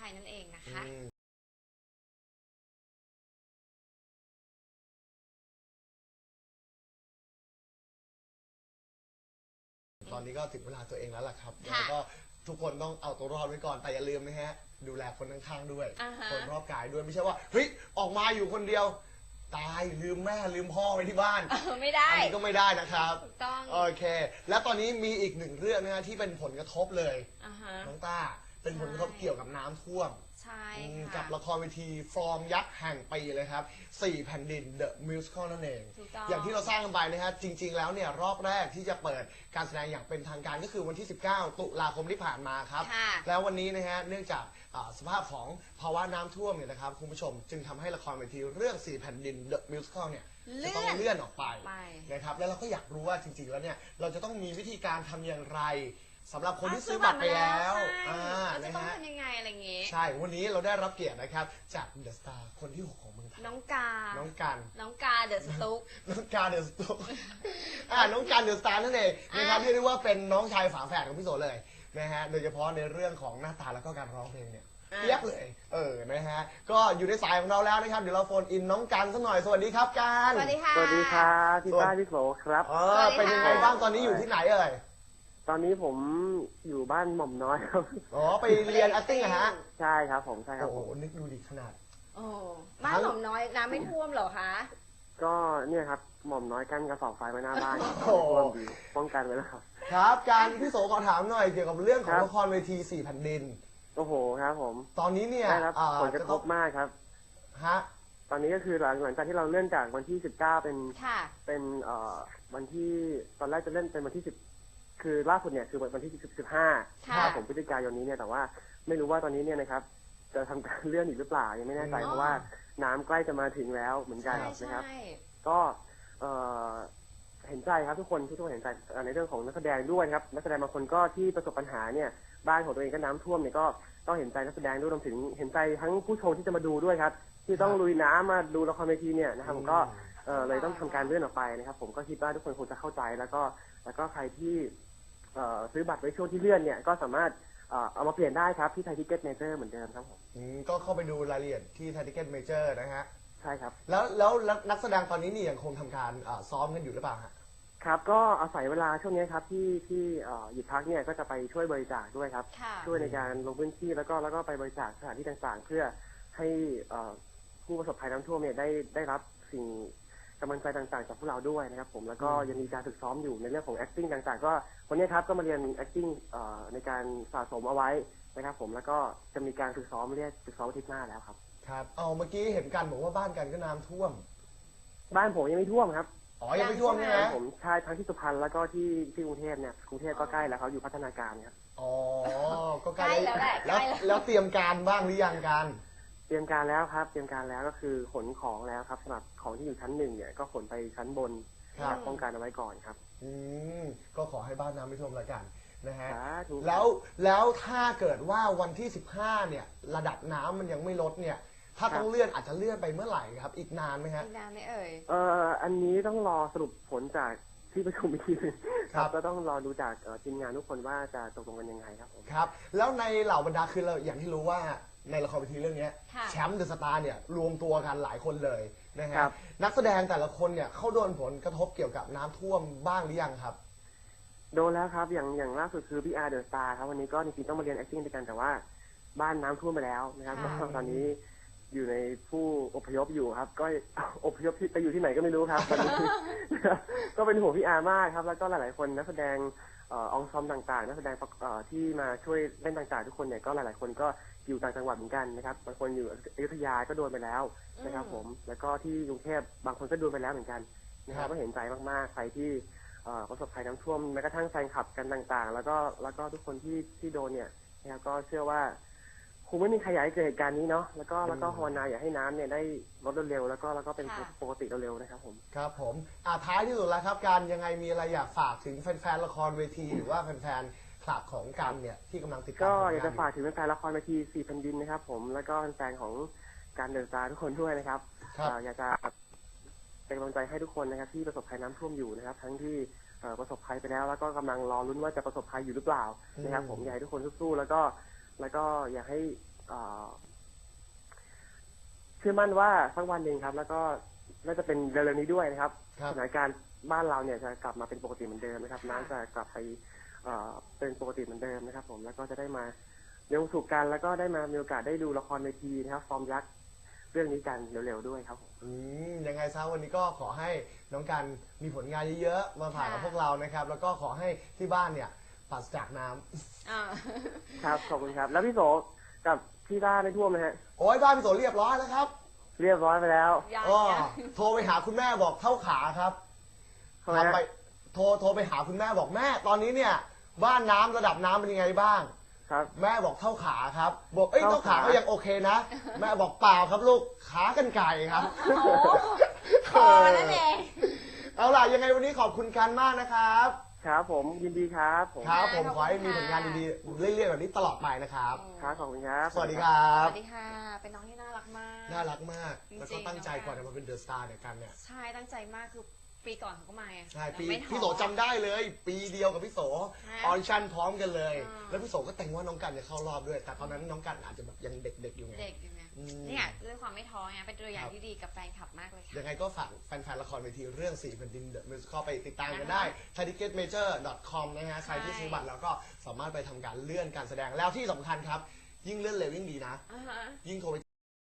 ภัยนั่นเองนะคะตอนนี้ก็ถึงเวลาตัวเองแล้วล่ะครับแล้วก็ทุกคนต้องเอาตัวรอดไว้ก่อนแต่อย่าลืมนะฮะดูแลคนข้างๆด้วยคนรอบกายด้วยไม่ใช่ว่าเฮ้ยออกมาอยู่คนเดียวตายลืมแม่ลืมพ่อไว้ที่บ้านไม่ได้อันนี้ก็ไม่ได้นะครับถูกต้องโอเคแล้วตอนนี้มีอีกหนึ่งเรื่องนะฮะที่เป็นผลกระทบเลยน้องต้าเป็นผลกระทบเกี่ยวกับน้ำท่วมใช่กับละครเวทีฟอร์มยักษ์แห่งปีเลยครับ4แผ่นดิน The Musical นั่นเองอย่างที่เราสร้างกันไปนะฮะจริงๆแล้วเนี่ยรอบแรกที่จะเปิดการแสดงอย่างเป็นทางการก็คือวันที่19ตุลาคมที่ผ่านมาครับแล้ววันนี้นะฮะเนื่องจากสภาพของภาวะน้ำท่วมเนี่ยนะครับคุณผู้ชมจึงทำให้ละครเวทีเรื่อง4แผ่นดิน The Musical เนี่ยจะต้องเลื่อนออกไปนะครับแล้วเราก็อยากรู้ว่าจริงๆแล้วเนี่ยเราจะต้องมีวิธีการทำอย่างไรสำหรับคนที่ซื้อบัตรไปแล้วจะต้องทำยังไงอะไรเงี้ยใช่วันนี้เราได้รับเกียรตินะครับจากเดอะสตาร์คนที่6ของเมืองไทยน้องกาเดอะสตุ๊กน้องกาเดอะสตุ๊กน้องการเดอะสตาร์นั่นเองนะครับเรียกได้ว่าเป็นน้องชายฝาแฝดของพี่โสเลยนะฮะโดยเฉพาะในเรื่องของหน้าตาแล้วก็การร้องเพลงเนี่ยเทียบเลยนะฮะก็อยู่ในสายของเราแล้วนะครับเดี๋ยวเราโฟนอินน้องกันสักหน่อยสวัสดีครับกันสวัสดีค่ะสวัสดีครับพี่ป้าพี่โสครับเป็นยังไงบ้างตอนนี้อยู่ที่ไหนเอ่ยตอนนี้ผมอยู่บ้านหม่อมน้อยครับไปเรียน acting ฮะใช่ครับผมใช่ครับโอ้โหนึกดูดิขนาดบ้านหม่อมน้อยน้ำไม่ท่วมเหรอคะก็เนี่ยครับหม่อมน้อยกั้นกระสอบไฟไว้หน้าบ้านท่วมดีป้องกันไว้แล้วครับการพี่โสขอถามหน่อยเกี่ยวกับเรื่องของละครเวที4แผ่นดินโอ้โหครับผมตอนนี้เนี่ยผลกระทบมากครับฮะตอนนี้ก็คือหลังจากที่เราเลื่อนจากวันที่19เป็นวันที่ตอนแรกจะเล่นเป็นวันที่10คือล่าสุดเนี่ยคือวันที่15ผมพฤศจิกายนนี้เนี่ยแต่ว่าไม่รู้ว่าตอนนี้เนี่ยนะครับจะทำการเลื่อนอีกหรือเปล่ายังไม่แน่ใจเพราะว่าน้ำใกล้จะมาถึงแล้วเหมือนกันนะครับก็เห็นใจครับทุกคนเห็นใจในเรื่องของนักแสดงด้วยครับนักแสดงบางคนก็ที่ประสบปัญหาเนี่ยบ้านของตัวเองก็น้ำท่วมเนี่ยก็ต้องเห็นใจนักแสดงด้วยรวมถึงเห็นใจทั้งผู้ชมที่จะมาดูด้วยครับที่ต้องลุยน้ำมาดูละครเวทีเนี่ยนะครับผมก็เลยต้องทำการเลื่อนออกไปนะครับผมก็คิดว่าทุกคนคงจะเข้าใจแล้วก็ใครที่ซื้อบัตรไว้ช่วงที่เลื่อนเนี่ยก็สามารถเอามาเปลี่ยนได้ครับที่ไทยทิเก็ตเมเจอร์เหมือนเดิมครับผมก็เข้าไปดูรายละเอียดที่ไทยทิเก็ตเมเจอร์นะฮะใช่ครับแล้วนักแสดงตอนนี้นี่ยังคงทำการซ้อมกันอยู่หรือเปล่าฮะครับก็อาศัยเวลาช่วงนี้ครับที่หยุดพักเนี่ยก็จะไปช่วยบริจาคด้วยครับช่วยในการลงพื้นที่แล้วก็ไปบริจาคสถานที่ต่างๆเพื่อให้ผู้ประสบภัยน้ำท่วมเนี่ยได้รับสิ่งกำลังใจต่างๆจากพวกเราด้วยนะครับผมแล้วก็ยังมีการฝึกซ้อมอยู่ในเรื่องของ acting ต่างๆก็วันนี้ครับก็มาเรียน acting ในการสะสมเอาไว้นะครับผมแล้วก็จะมีการฝึกซ้อมฝึกซ้อมอาทิตย์หน้าแล้วครับครับเมื่อกี้เห็นกันบอกว่าบ้านกันก็น้ำท่วมบ้านผมยังไม่ท่วมครับยังไม่ท่วมใช่ไหมผมใช่ทั้งที่สุพรรณแล้วก็ที่กรุงเทพเนี่ยกรุงเทพก็ใกล้แล้วเขาอยู่พัฒนาการครับก็ใกล้แล้วเตรียมการบ้างหรือยังกันเตรียมการแล้วครับเตรียมการแล้วก็คือขนของแล้วครับสำหรับของที่อยู่ชั้น1เนี่ยก็ขนไปชั้นบนป้องกันเอาไว้ก่อนครับก็ขอให้บ้านน้ำไม่ท่วมแล้วกันนะฮะแล้วถ้าเกิดว่าวันที่15เนี่ยระดับน้ำมันยังไม่ลดเนี่ยถ้าต้องเลื่อนอาจจะเลื่อนไปเมื่อไหร่ครับอีกนานไหมฮะอีกนานไหมเอ่ยอันนี้ต้องรอสรุปผลจากที่ประชุมอีกทีนึงครับก็ต้องรอดูจากทีมงานทุกคนว่าจะตกลงกันยังไงครับผมครับแล้วในเหล่าบรรดาคือเราอย่างที่รู้ว่าในละครเวทีเรื่องนี้แชมป์เดอะสตาร์เนี่ยรวมตัวกันหลายคนเลยนะฮะนักแสดงแต่ละคนเนี่ยเขาโดนผลกระทบเกี่ยวกับน้ำท่วมบ้างหรือยังครับโดนแล้วครับอย่างล่าสุดคือพี่อาร์เดอะสตาร์ครับวันนี้ก็จริงๆต้องมาเรียน acting ด้วยกันแต่ว่าบ้านน้ำท่วมไปแล้วนะครับตอนนี้อยู่ในผู้อพยพอยู่ครับก็อพยพไปอยู่ที่ไหนก็ไม่รู้ครับตอนนี้ก็เป็นห่วงพี่อาร์มากครับแล้วก็หลายๆคนนักแสดงองซอมต่างๆนักแสดงที่มาช่วยเล่นต่างๆทุกคนเนี่ยก็หลายๆคนก็อยู่ต่างจังหวัดเหมือนกันนะครับบางคนอยู่อยุธยาก็โดนไปแล้วนะครับผมแล้วก็ที่กรุงเทพบางคนก็โดนไปแล้วเหมือนกันนะครับก็เห็นใจมากๆใครที่ประสบภัยน้ำท่วมแม้กระทั่งแฟนคลับกันต่างๆแล้วก็ทุกคนที่โดนเนี่ยนะครับก็เชื่อว่าคงไม่มีใครอยากให้เกิดเหตุการณ์นี้เนาะแล้วก็ภาวนาอยากให้น้ำเนี่ยได้ลดเร็วแล้วก็เป็นปกติเร็วๆนะครับผมครับผมท้ายที่สุดแล้วครับการยังไงมีอะไรอยากฝากถึงแฟนๆละครเวทีหรือว่าแฟนๆคลับของกันเนี่ยที่กำลังติดตามก็อยากจะฝากถึงแฟนๆละครเวที4แผ่นดินนะครับผมแล้วก็แฟนของการเดินตาทุกคนด้วยนะครับอยากจะเป็นกำลังใจให้ทุกคนนะครับที่ประสบภัยน้ำท่วมอยู่นะครับทั้งที่ประสบภัยไปแล้วก็กำลังรอลุ้นว่าจะประสบภัยอยู่หรือเปล่านะครับผมอยากให้ทุกคนสู้ๆแล้วก็อยากให้เชื่อมั่นว่าสักวันหนึ่งครับ แล้วก็น่าจะเป็นเร็วๆนี้ด้วยนะครับครับสถานการณ์บ้านเราเนี่ยจะกลับมาเป็นปกติเหมือนเดิมนะครับค่ะน้ำจะกลับไปเป็นปกติเหมือนเดิมนะครับ ผมแล้วก็จะได้มาเรียนรู้สู่กัน แล้วก็ได้มามีโอกาสได้ดูละครเวทีนะครับ ฟอร์มยักษ์เรื่องนี้กันเร็วๆด้วยครับผมยังไงซะวันนี้ก็ขอให้น้องกันมีผลงานเยอะๆมาผ่านกับพวกเรานะครับ แล้วก็ขอให้ที่บ้านเนี่ยปราศจากน้ำอ่าครับขอบคุณครับ แล้วพี่โสกับพี่ต้าได้ท่วมไหมฮะโอ้ยบ้านพี่โสเรียบร้อยแล้วครับเรียบร้อยไปแล้วยังอ๋อยังโทรไปหาคุณแม่บอกเท่าขาครับทำไมฮะทำไปโทรไปหาคุณแม่บอกแม่ ตอนนี้เนี่ย บ้านน้ำระดับน้ำเป็นยังไงบ้างครับแม่บอกเท่าขาครับ บอกเอ้ยเท่าเท่าขาขาก็ยังโอเคนะ แม่บอกเปล่าครับลูกขากันไก่ครับโอ้โหพอนั่นเองเอาล่ะยังไงวันนี้ขอบคุณกันมากนะครับครับผมยินดีครับผมครับผมขอบคุณขอให้มีผลงานค่ะดีๆเรื่อยๆแบบนี้ตลอดไปนะครับครับขอบคุณครับสวัสดีครับสวัสดีค่ะ เป็นน้องที่น่ารักมากน่ารักมากจริงๆแล้วก็ตั้งใจน้องก่อนจะมาเป็นเดอะสตาร์เนี่ยกันเนี่ยใช่ตั้งใจมากคือปีก่อนเขาก็มาไงใช่ปีไม่ท้อพี่โสจำได้เลย ปีเดียวกับพี่โสฮะออดิชั่นพร้อมกันเลยอ่าแล้วพี่โสก็แต่งว่าน้องกันจะเข้ารอบด้วย แต่ตอนนั้นน้องกันอาจจะแบบยังเด็กๆอยู่ไงเด็กอยู่ไงอืมเนี่ยด้วยความไม่ท้อไงเป็นตัวอย่าคงรับที่ดีกับแฟนคลับมากเลยค่ะยังไงก็ฝากแฟนๆละครเวทีเรื่อง4แผ่นดินเดอะมิวสิคอลไปติดตามกันนะคะได้ ticketmajor.com นะฮะใครที่ซื้อบัตรแล้วก็สามารถไปทำการเลื่อนการแสดงแล้วที่สำคัญครับ ยิ่งเลื่อนเร็วยิ่งดีนะอ่าฮะยิ่งโทรไป